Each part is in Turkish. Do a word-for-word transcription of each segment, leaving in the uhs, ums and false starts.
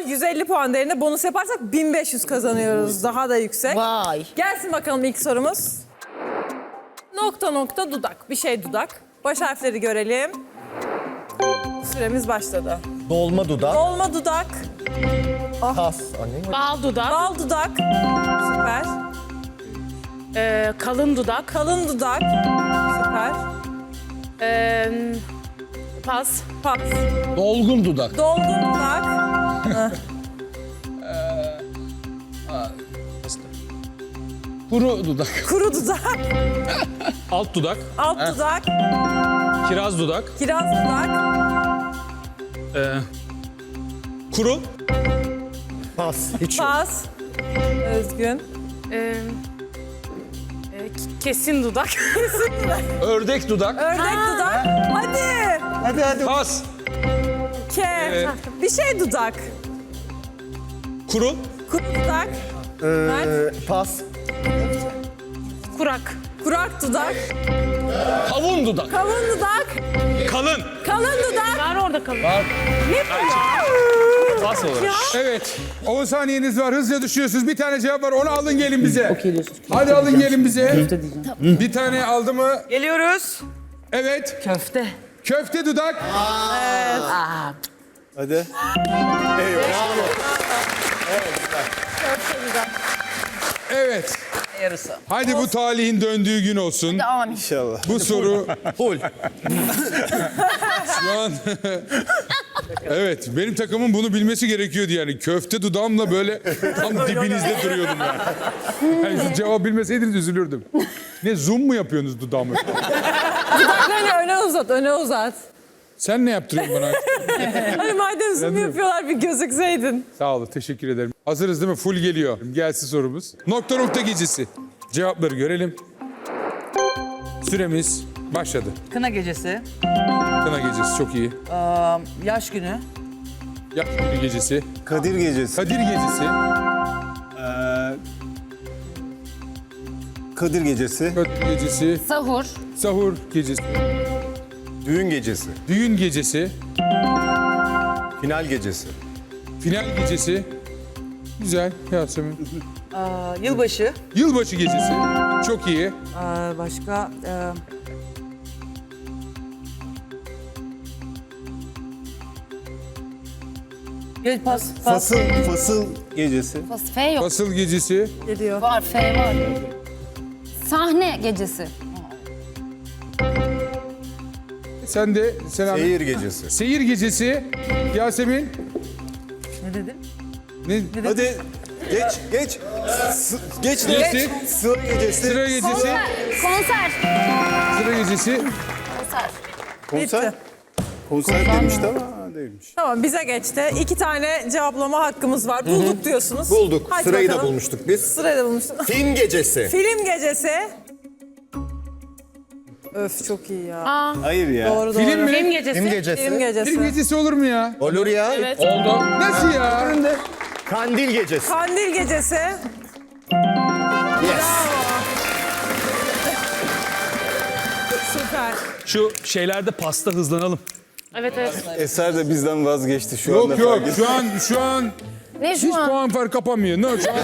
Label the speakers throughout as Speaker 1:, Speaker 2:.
Speaker 1: yüz elli puan değerinde bonus yaparsak bin beş yüz kazanıyoruz. Daha da yüksek.
Speaker 2: Vay.
Speaker 1: Gelsin bakalım ilk sorumuz. Nokta nokta dudak. Bir şey dudak. Baş harfleri görelim. Süremiz başladı.
Speaker 3: Dolma dudak.
Speaker 1: Dolma dudak.
Speaker 3: Pas. Anne.
Speaker 2: Bal dudak.
Speaker 1: Bal dudak. Süper.
Speaker 2: Ee, kalın dudak.
Speaker 1: Kalın dudak. Süper.
Speaker 2: Ee, pas.
Speaker 1: Pas.
Speaker 4: Dolgun dudak.
Speaker 1: Dolgun dudak.
Speaker 4: Kuru dudak.
Speaker 1: Kuru dudak.
Speaker 5: Alt dudak,
Speaker 1: Alt dudak.
Speaker 5: kiraz dudak,
Speaker 1: Kiraz dudak.
Speaker 5: e, kuru,
Speaker 3: Pas. Hiç yok.
Speaker 1: Pas. Özgün.
Speaker 2: Ee, e, kesin dudak.
Speaker 4: Ördek dudak.
Speaker 1: Ördek dudak. Hadi.
Speaker 3: Hadi hadi.
Speaker 4: Pas.
Speaker 1: K. Bir şey dudak.
Speaker 5: kuru,
Speaker 1: Kuru dudak.
Speaker 3: Ee, pas.
Speaker 2: Kurak.
Speaker 1: Kurak dudak.
Speaker 4: Kavun dudak.
Speaker 1: Kavun dudak.
Speaker 5: kalın.
Speaker 1: Kalın dudak.
Speaker 2: Var orada kalın.
Speaker 5: Pas olarak.
Speaker 6: Evet. on saniyeniz var. Hızlıca düşüyorsunuz. Bir tane cevap var. Onu alın gelin bize. Hadi alın gelin bize. Bir tane aldı mı?
Speaker 7: Geliyoruz.
Speaker 6: Evet.
Speaker 7: Köfte.
Speaker 6: Köfte dudak.
Speaker 3: Hadi.
Speaker 6: Evet.
Speaker 7: Yarısı.
Speaker 6: Hadi bu talihin döndüğü gün olsun.
Speaker 3: İnşallah.
Speaker 6: Bu soru
Speaker 3: Full.
Speaker 6: şu an... Evet, benim takımın bunu bilmesi gerekiyordu yani. Köfte dudağımla böyle tam dibinizde duruyordum yani. Yani siz cevap bilmeseydiniz üzülürdüm. Ne, zoom mu yapıyorsunuz dudağımı?
Speaker 1: Dudaklarını öne uzat, öne uzat.
Speaker 6: Sen ne yaptırıyorsun bana?
Speaker 1: Hani madem zoom yapıyorlar bir gözükseydin.
Speaker 6: Sağ olun, teşekkür ederim. Hazırız değil mi? Full geliyor. Gelsin sorumuz. Nokta nokta gecesi. Cevapları görelim. Süremiz başladı.
Speaker 7: Kına gecesi.
Speaker 6: Kına gecesi çok iyi.
Speaker 7: Aa, yaş günü.
Speaker 6: Yaş günü gecesi.
Speaker 3: Kadir gecesi.
Speaker 6: Kadir gecesi.
Speaker 3: Kadir gecesi.
Speaker 6: Kadir gecesi.
Speaker 2: Sahur.
Speaker 6: Sahur gecesi.
Speaker 3: Düğün gecesi.
Speaker 6: Düğün gecesi.
Speaker 3: Final gecesi.
Speaker 6: Final gecesi. Güzel Yasemin.
Speaker 7: Aa, yılbaşı.
Speaker 6: Yılbaşı gecesi. Çok iyi.
Speaker 7: Aa, başka. E, Gel pas. Pas.
Speaker 3: Fasıl. Fasıl gecesi.
Speaker 8: F yok.
Speaker 6: Fasıl gecesi.
Speaker 1: Geliyor.
Speaker 8: Var, F var. Sahne gecesi.
Speaker 6: Sen de Selam.
Speaker 3: Seyir gecesi.
Speaker 6: Seyir gecesi. Yasemin.
Speaker 7: Ne dedin?
Speaker 6: Ne?
Speaker 3: Hadi. Geç, geç. S- geç,
Speaker 6: Geçti.
Speaker 3: geç. Sıra gecesi.
Speaker 6: Sıra gecesi.
Speaker 8: Konser.
Speaker 6: Sıra gecesi.
Speaker 8: Konser.
Speaker 3: Konser.
Speaker 1: Bitti.
Speaker 3: Konser demişti ama değilmiş.
Speaker 1: Tamam bize geçti. İki tane cevaplama hakkımız var. Bulduk diyorsunuz.
Speaker 3: Bulduk.
Speaker 1: Hadi
Speaker 3: Sırayı da
Speaker 1: bakalım.
Speaker 3: bulmuştuk biz.
Speaker 1: Sırayı da bulmuştuk.
Speaker 3: Film gecesi.
Speaker 1: Film gecesi. Öf çok iyi ya.
Speaker 3: Hayır ya.
Speaker 1: Doğru doğru.
Speaker 6: Film mi?
Speaker 2: Film gecesi.
Speaker 3: Film gecesi.
Speaker 1: Film gecesi.
Speaker 6: Film gecesi olur mu ya?
Speaker 3: Olur ya.
Speaker 2: Evet.
Speaker 6: Oldu. Nasıl ya?
Speaker 3: Kandil gecesi.
Speaker 1: Kandil gecesi.
Speaker 3: Yes.
Speaker 1: Süper.
Speaker 5: Şu şeylerde pasta hızlanalım.
Speaker 2: Evet evet.
Speaker 3: Eser de bizden vazgeçti şu anda.
Speaker 6: Yok yok
Speaker 3: fark
Speaker 6: şu an şu an
Speaker 8: Ne
Speaker 6: hiç
Speaker 8: şu an?
Speaker 6: puan fark kapamıyor. No, şu an...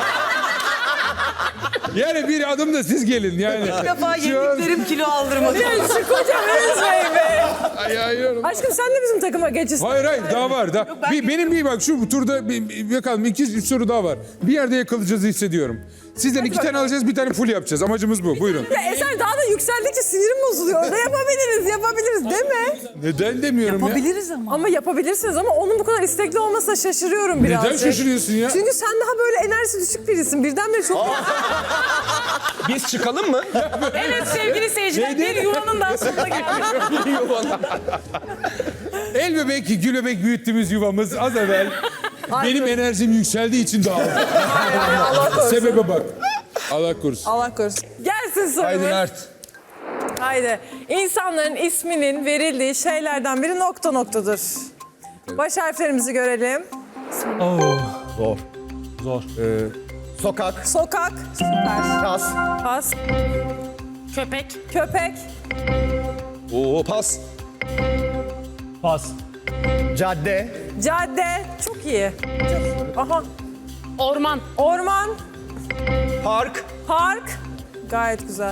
Speaker 6: Yani bir adım da siz gelin yani.
Speaker 7: Bir defa
Speaker 6: Şu an-
Speaker 7: yediklerim kilo aldırmadı.
Speaker 1: Şu koca üzmeyin be.
Speaker 6: Ay, ay, ay.
Speaker 1: Aşkım sen de bizim takıma geçirsin.
Speaker 6: Hayır hayır daha var. Daha.
Speaker 7: ben
Speaker 6: bir, benim bir bak şu turda bir, bir, bakalım iki üç soru daha var. Bir yerde yakalayacağızı hissediyorum. Sizden iki tane alacağız, bir tane full yapacağız. Amacımız bu. Buyurun.
Speaker 1: Ya Eser daha da yükseldikçe sinirim bozuluyor. Orada yapabiliriz, yapabiliriz değil mi?
Speaker 6: Neden demiyorum ya?
Speaker 7: Yapabiliriz ama.
Speaker 1: Ama yapabilirsiniz ama onun bu kadar istekli olmasına şaşırıyorum birazcık.
Speaker 6: Neden şaşırıyorsun ya?
Speaker 1: Çünkü sen daha böyle enerjisi düşük birisin. Birdenbire çok...
Speaker 4: Biz çıkalım mı?
Speaker 2: Evet sevgili seyirciler bir yuvanın daha sonuna geldik.
Speaker 6: El bebek, gül bebek büyüttüğümüz yuvamız az evvel benim enerjim yükseldiği için dağıldı.
Speaker 1: Allah korusun.
Speaker 6: Sebebe bak. Allah korusun.
Speaker 1: Allah korusun. Gelsin sorumuz.
Speaker 6: Haydi Mert.
Speaker 1: Haydi. İnsanların isminin verildiği şeylerden biri nokta noktadır. Baş harflerimizi görelim.
Speaker 3: Zor.
Speaker 5: Zor.
Speaker 3: Ee, sokak.
Speaker 1: Sokak. Süper.
Speaker 3: Pas.
Speaker 1: Pas.
Speaker 2: Köpek.
Speaker 1: Köpek.
Speaker 4: Oo pas.
Speaker 5: Pas.
Speaker 3: Cadde.
Speaker 1: Cadde. Çok iyi. Çok- Aha.
Speaker 2: Orman.
Speaker 1: Orman.
Speaker 3: Park.
Speaker 1: Park. Gayet güzel.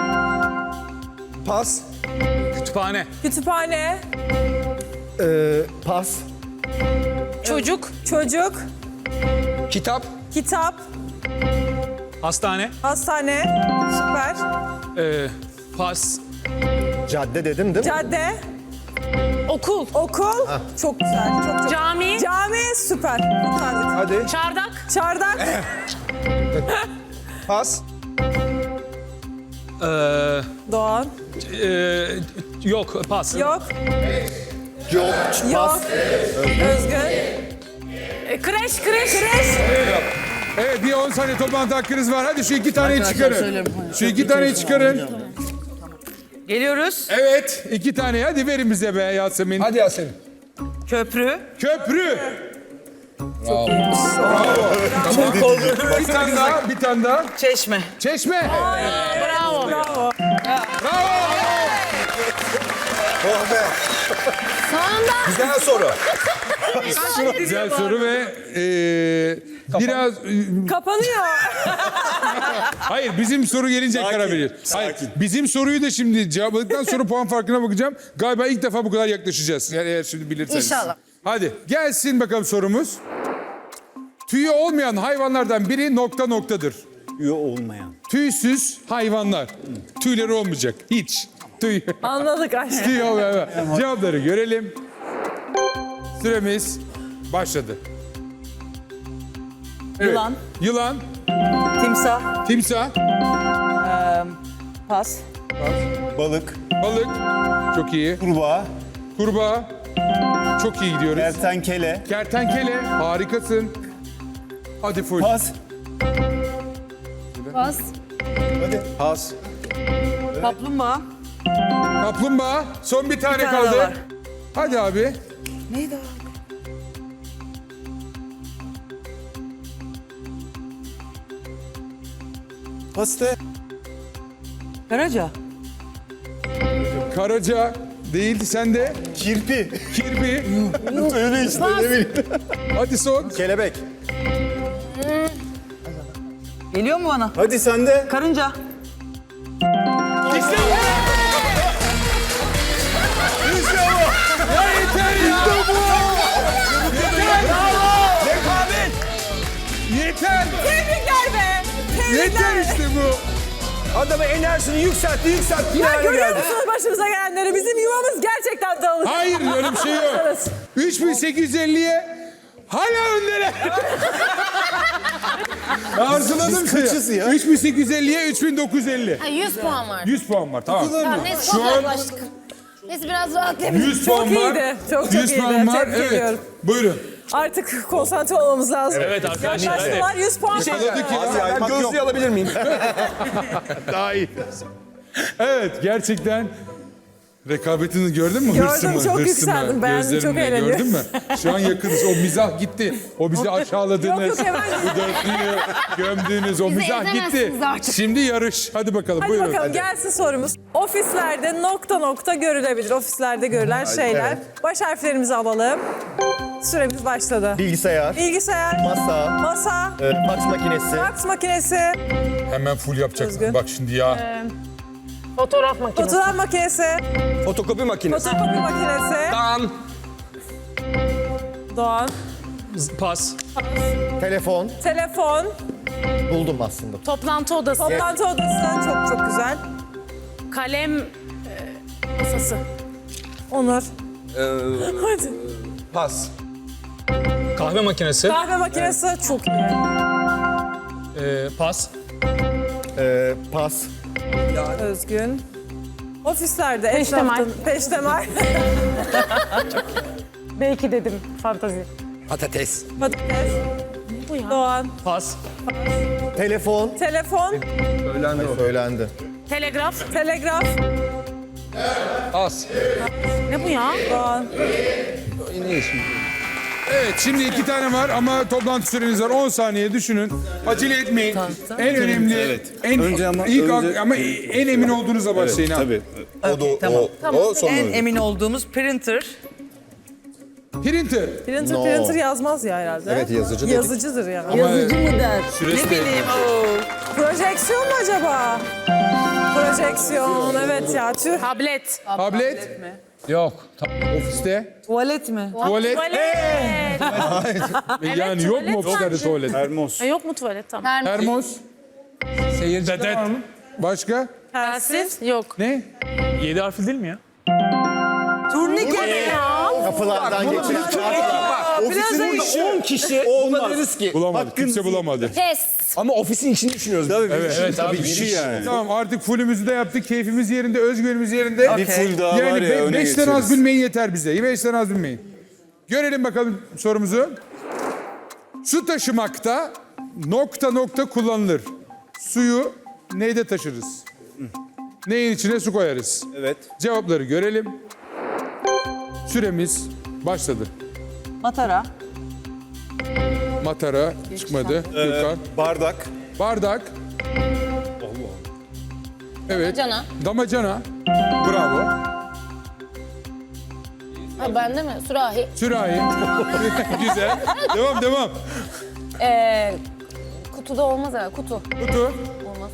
Speaker 3: Pas.
Speaker 5: Kütüphane.
Speaker 1: Kütüphane.
Speaker 3: Ee, pas.
Speaker 2: Çocuk.
Speaker 1: Çocuk.
Speaker 4: Kitap.
Speaker 1: Kitap.
Speaker 5: Hastane.
Speaker 1: Hastane. Süper.
Speaker 5: Ee, pas.
Speaker 3: Cadde dedim değil mi?
Speaker 1: Cadde.
Speaker 2: Okul.
Speaker 1: Okul. Çok güzel. Çok çok.
Speaker 2: Cami.
Speaker 1: Cami. Süper. Kurtardık.
Speaker 3: Hadi.
Speaker 2: Çardak.
Speaker 1: Çardak.
Speaker 3: Pas.
Speaker 5: Ee,
Speaker 1: Doğan.
Speaker 5: e, yok pas.
Speaker 1: Yok.
Speaker 3: Yok.
Speaker 1: Yok.
Speaker 3: Pas.
Speaker 1: Özgün.
Speaker 2: E, kreş, kreş.
Speaker 1: Kreş.
Speaker 6: Evet bir on saniye toplantı hakkınız var. Hadi şu iki taneyi
Speaker 7: Arkadaşlar
Speaker 6: çıkarın.
Speaker 7: söyleyeyim.
Speaker 6: Şu iki taneyi çıkarın.
Speaker 7: Geliyoruz.
Speaker 6: Evet iki tane hadi verin bize be Yasemin.
Speaker 4: Hadi Yasemin.
Speaker 7: Köprü.
Speaker 6: Köprü. Bir tane daha, bir tane daha.
Speaker 7: Çeşme.
Speaker 6: Çeşme.
Speaker 2: Bravo.
Speaker 1: Bravo.
Speaker 3: Oh be.
Speaker 8: Sonunda
Speaker 3: Güzel soru.
Speaker 6: Güzel soru ve e, biraz e,
Speaker 1: Kapanıyor.
Speaker 6: hayır bizim soru gelince
Speaker 3: Sakin,
Speaker 6: karar vereceğiz. Hayır
Speaker 3: sakin.
Speaker 6: bizim soruyu da şimdi cevapladıktan sonra puan farkına bakacağım. Galiba ilk defa bu kadar yaklaşacağız. Yani eğer şimdi bilirseniz.
Speaker 8: İnşallah.
Speaker 6: Hadi gelsin bakalım sorumuz. Tüyü olmayan hayvanlardan biri nokta noktadır.
Speaker 3: Üye olmayan.
Speaker 6: Tüysüz hayvanlar. Tüyleri olmayacak. Hiç. Tüy.
Speaker 1: Anladık aşkım.
Speaker 6: Tüy olmayan. Cevapları görelim. Süremiz başladı. Evet.
Speaker 7: Yılan.
Speaker 6: Yılan.
Speaker 7: Timsah.
Speaker 6: Timsah.
Speaker 7: Pas.
Speaker 3: Balık.
Speaker 6: Balık. Çok iyi.
Speaker 3: Kurbağa.
Speaker 6: Kurbağa. Çok iyi gidiyoruz.
Speaker 3: Kertenkele.
Speaker 6: Kertenkele. Harikasın. Hadi full.
Speaker 3: Pas.
Speaker 8: pas.
Speaker 3: Hadi. Pas.
Speaker 7: Kaplumbağa.
Speaker 6: Kaplumbağa. Son bir tane,
Speaker 7: tane
Speaker 6: kaldı.
Speaker 7: var.
Speaker 6: Hadi abi.
Speaker 7: Neydi o?
Speaker 3: Pas de.
Speaker 7: Karaca.
Speaker 6: Karaca değildi sende.
Speaker 3: Kirpi.
Speaker 6: Kirpi.
Speaker 3: Öyle işte ne bileyim.
Speaker 6: Hadi son.
Speaker 3: Kelebek.
Speaker 7: Geliyor mu bana?
Speaker 3: Hadi sen de.
Speaker 7: Karınca.
Speaker 6: İşte bu. İşte bu. Ya yeter ya. İşte bu. Yeter. Rekabet. Yeter.
Speaker 1: Tebrikler be. Tebrikler.
Speaker 6: Yeter işte bu.
Speaker 3: Adamı enerjisini yükseltti yükseltti.
Speaker 1: Ya
Speaker 3: finale
Speaker 1: görüyor
Speaker 3: geldi.
Speaker 1: musunuz başımıza gelenleri? Bizim yuvamız gerçekten dağılır.
Speaker 6: Hayır öyle bir şey yok. üç bin sekiz yüz elliye hala önlere. Arzuladım
Speaker 3: Biz
Speaker 6: sizi.
Speaker 3: kaçız ya?
Speaker 6: üç bin sekiz yüz elliye üç bin dokuz yüz elli.
Speaker 8: Ha, yüz puan var.
Speaker 6: yüz puan var tamam.
Speaker 8: Tamam, neyse
Speaker 6: Şu
Speaker 8: çok
Speaker 6: an
Speaker 8: yaklaştık. Neyse biraz rahatlayabiliriz.
Speaker 6: yüz puan var.
Speaker 1: iyiydi, çok çok
Speaker 6: yüz
Speaker 1: iyiydi.
Speaker 6: puan var.
Speaker 1: Tebrik
Speaker 6: Evet.
Speaker 1: ediyorum.
Speaker 6: Buyurun.
Speaker 1: Artık konsantre olmamız lazım.
Speaker 5: Evet arkadaşlar.
Speaker 1: Yaklaştılar yüz puan.
Speaker 6: Yakaladık
Speaker 3: Hadi
Speaker 6: ya.
Speaker 3: ya, ben gözlüğü alabilir miyim?
Speaker 6: Daha iyi. Evet gerçekten rekabetini gördün mü?
Speaker 1: Gördüm,
Speaker 6: Hırsımı,
Speaker 1: çok
Speaker 6: hırsımı,
Speaker 1: yükseldim, beğendim, çok
Speaker 6: gözlerimle
Speaker 1: eğleniyorum.
Speaker 6: Gördün mü? Şu an yakınız. O mizah gitti. O bizi aşağıladığınız,
Speaker 1: Yok, yok, hemen
Speaker 6: bu dörtlüyü gömdüğünüz o
Speaker 8: Bizi
Speaker 6: mizah gitti.
Speaker 8: ezemezsiniz artık.
Speaker 6: Şimdi yarış. Hadi bakalım
Speaker 1: Hadi
Speaker 6: buyurun.
Speaker 1: bakalım gelsin sorumuz. Ofislerde nokta nokta görülebilir. Ofislerde görülen şeyler. Baş harflerimizi alalım. Süremiz başladı.
Speaker 3: Bilgisayar.
Speaker 1: Bilgisayar,
Speaker 3: Masa.
Speaker 1: masa,
Speaker 3: e, fax makinesi.
Speaker 1: fax makinesi,
Speaker 6: Hemen full yapacaksın.
Speaker 1: Özgün.
Speaker 6: Bak şimdi ya.
Speaker 2: Fotoğraf makinesi.
Speaker 1: fotoğraf makinesi,
Speaker 3: Fotokopi makinesi.
Speaker 1: fotokopi makinesi,
Speaker 4: Dan.
Speaker 1: Doğan,
Speaker 5: Pas.
Speaker 3: Telefon.
Speaker 1: telefon,
Speaker 3: Buldum aslında.
Speaker 2: Toplantı odası.
Speaker 1: toplantı odası. Çok çok güzel.
Speaker 2: Kalem e, masası.
Speaker 1: Onur. Hadi.
Speaker 3: Pas.
Speaker 5: Kahve makinesi.
Speaker 1: Kahve makinesi çok iyi.
Speaker 5: Ee, pas.
Speaker 3: E, pas.
Speaker 1: Özgün. Ofislerde
Speaker 2: Peştemal.
Speaker 1: etrafta- Peştemal.
Speaker 2: Belki dedim fantazi.
Speaker 3: Patates.
Speaker 1: Patates.
Speaker 2: Bu ya.
Speaker 1: Doğan.
Speaker 5: Pas.
Speaker 3: Telefon.
Speaker 1: Telefon.
Speaker 3: Söylendi o. Söylendi.
Speaker 2: Telegraf.
Speaker 1: Telegraf.
Speaker 4: As.
Speaker 2: Ne bu ya?
Speaker 1: Doğan.
Speaker 6: Evet şimdi iki tane var ama toplantı süreniz var. on saniye düşünün. Acele etmeyin. En önemli, en
Speaker 3: Önce ama-
Speaker 6: ilk
Speaker 3: önce-
Speaker 6: ama en emin olduğunuzla başlayın ha.
Speaker 3: Tabii. O da
Speaker 7: tamam.
Speaker 3: o, o son
Speaker 7: En
Speaker 3: öyle.
Speaker 7: emin olduğumuz printer.
Speaker 6: Printer.
Speaker 1: Printer
Speaker 3: No.
Speaker 1: printer yazmaz ya herhalde.
Speaker 3: Evet, yazıcı dedik.
Speaker 1: Yazıcıdır ya.
Speaker 7: Yazıcı mı der?
Speaker 6: Süresi
Speaker 7: Ne
Speaker 6: de-
Speaker 7: bileyim. Oo.
Speaker 1: Projeksiyon mu acaba? Projeksiyon evet ya tüh.
Speaker 2: Tablet.
Speaker 6: Tablet.
Speaker 4: Yok.
Speaker 6: Ofiste.
Speaker 7: Tuvalet mi?
Speaker 6: Tuvalet.
Speaker 2: Tuvalet.
Speaker 6: Yani yok mu ofislerde tuvalet?
Speaker 3: Termos.
Speaker 2: Ha, yok mu tuvalet? Tamam.
Speaker 6: Termos.
Speaker 4: Seyirci
Speaker 6: Dedet.
Speaker 4: var mı?
Speaker 6: Başka?
Speaker 2: Telsiz? Yok.
Speaker 6: Ne?
Speaker 5: Yedi harfli değil mi ya?
Speaker 7: Turnike.
Speaker 3: Kapılardan geçen.
Speaker 9: Ofisin içinde on kişi olmaz. Ki.
Speaker 6: Bulamadı. Kimse bulamadı.
Speaker 8: Pes.
Speaker 9: Ama ofisin içini düşünüyoruz.
Speaker 3: Tabii
Speaker 6: Evet.
Speaker 3: evet, tabii bir şey yani.
Speaker 6: Tamam artık fullümüzü de yaptık. Keyfimiz yerinde, özgürlüğümüz yerinde.
Speaker 3: Bir full daha var
Speaker 6: Yani
Speaker 3: ya
Speaker 6: be-
Speaker 3: öne
Speaker 6: beşten az
Speaker 3: geçeriz.
Speaker 6: bilmeyin yeter bize. Beşten az bilmeyin. Görelim bakalım sorumuzu. Su taşımakta nokta nokta kullanılır. Suyu neyde taşırız? Neyin içine su koyarız?
Speaker 3: Evet.
Speaker 6: Cevapları görelim. Süremiz başladı.
Speaker 7: Matara.
Speaker 6: Matara çıkmadı. Gürkan.
Speaker 3: Bardak.
Speaker 6: Bardak. Evet.
Speaker 8: Damacana.
Speaker 6: Damacana. Bravo.
Speaker 8: Ha, bende mi? Sürahi.
Speaker 6: Sürahi. Güzel. Devam devam.
Speaker 8: Ee, kutuda olmaz herhalde. Kutu.
Speaker 6: Kutu.
Speaker 8: Olmaz.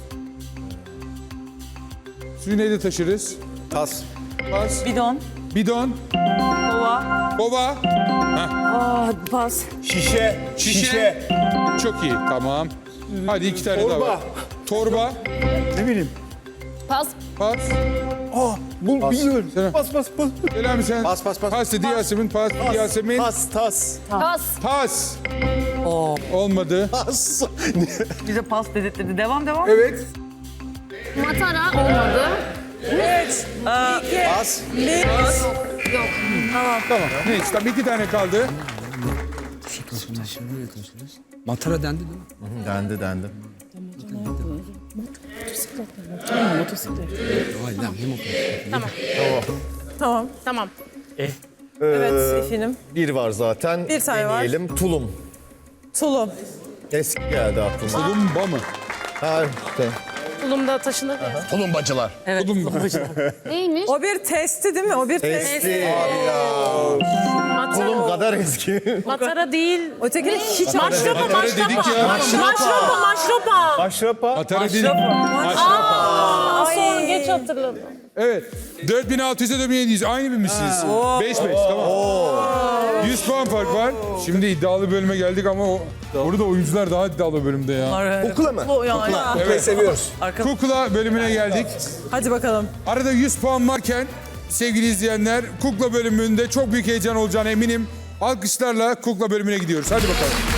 Speaker 6: Suyu neyde taşırız?
Speaker 3: Tas.
Speaker 6: Pas.
Speaker 7: Bidon.
Speaker 6: Bidon.
Speaker 7: Kova.
Speaker 6: Kova.
Speaker 7: Aa, pas.
Speaker 3: Şişe.
Speaker 6: Şişe. Çok iyi. Tamam. Hadi iki tane daha var. Torba.
Speaker 3: Ne bileyim.
Speaker 8: Pas.
Speaker 6: Pas.
Speaker 3: Bu biliyorum.
Speaker 6: Selam.
Speaker 3: Pas pas pas.
Speaker 6: Selami sen.
Speaker 3: Pas, pas, pas.
Speaker 6: Pas dedi Yasemin. Pas dedi Yasemin.
Speaker 3: Tas tas.
Speaker 8: Pas.
Speaker 6: Pas. Olmadı.
Speaker 3: Tas.
Speaker 7: Bize pas dedirtti. Devam devam.
Speaker 6: Evet.
Speaker 8: Matara olmadı.
Speaker 1: Üç, iki,
Speaker 3: Pas.
Speaker 1: bir.
Speaker 8: Yok.
Speaker 6: Tamam. Neyse tamam iki tane kaldı.
Speaker 4: Matara dendi değil mi?
Speaker 3: Dendi dendi.
Speaker 4: Hayır lan ne motor?
Speaker 1: Tamam.
Speaker 2: Tamam.
Speaker 1: Evet efendim.
Speaker 3: Bir var zaten.
Speaker 1: Bir tane var.
Speaker 3: Deneyelim. Tulum.
Speaker 1: Tulum.
Speaker 3: Eski geldi aklıma.
Speaker 6: Tulumba mı?
Speaker 3: Ha, işte.
Speaker 2: Tulumda taşınır ya.
Speaker 9: Tulumbacılar.
Speaker 6: Tulumba.
Speaker 8: Neymiş?
Speaker 1: O bir testi değil mi? O bir test.
Speaker 3: Eski abi ya. Tulum
Speaker 2: Matara.
Speaker 3: kadar eski.
Speaker 2: Matara değil.
Speaker 1: Ötekini hiç
Speaker 2: Maşropa,
Speaker 6: Matara dedik
Speaker 2: maşropa.
Speaker 6: ya.
Speaker 2: Maşropa, maşropa.
Speaker 3: Aşrapa.
Speaker 6: Matara dedik.
Speaker 2: Aa, sonra geç hatırladım.
Speaker 6: Evet. dört bin altı yüze dört bin yedi yüz. Aynı bir misiniz? beş beş tamam. yüz puan fark var. Şimdi iddialı bölüme geldik ama o, orada oyuncular daha iddialı bölümde ya.
Speaker 3: Kukla mı?
Speaker 1: O yani.
Speaker 3: Kuklayı seviyoruz.
Speaker 6: Kukla bölümüne geldik.
Speaker 1: Hadi bakalım.
Speaker 6: Arada yüz puan varken sevgili izleyenler Kukla bölümünde çok büyük heyecan olacağına eminim. Alkışlarla Kukla bölümüne gidiyoruz. Hadi bakalım.